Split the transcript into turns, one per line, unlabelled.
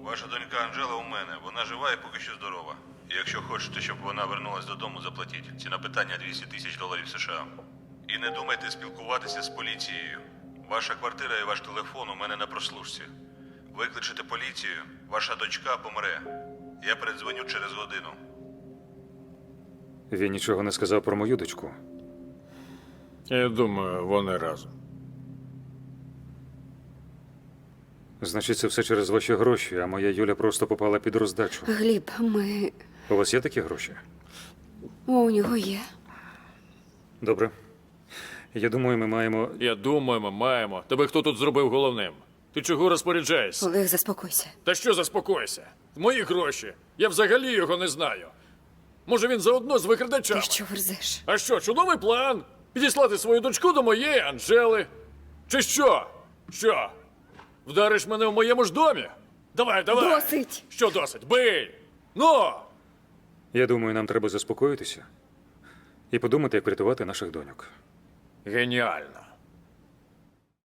Ваша донька Анжела у мене. Вона жива і поки що здорова. І якщо хочете, щоб вона вернулась додому, заплатіть. Ціна питання $200 тисяч США. І не думайте спілкуватися з поліцією. Ваша квартира і ваш телефон у мене на прослушці. Викличете поліцію, ваша дочка помре. Я передзвоню через годину.
Він нічого не сказав про мою дочку.
Я думаю, вони разом.
Значить, це все через ваші гроші, а моя Юля просто попала під роздачу.
Гліб, ми...
У вас є такі гроші?
У нього є.
Добре. Я думаю, ми маємо...
Я думаю, ми маємо. Тебе хто тут зробив головним? Ти чого розпоряджаєшся?
Олег, заспокойся.
Та що заспокойся? Мої гроші. Я взагалі його не знаю. Може, він заодно з викрадачами?
Ти що верзеш?
А що, чудовий план? Підіслати свою дочку до моєї Анжели? Чи що? Що? Вдариш мене в моєму ж домі? Давай, давай!
Досить!
Що досить? Бий! Ну!
Я думаю, нам треба заспокоїтися і подумати, як врятувати наших доньок.
Геніально.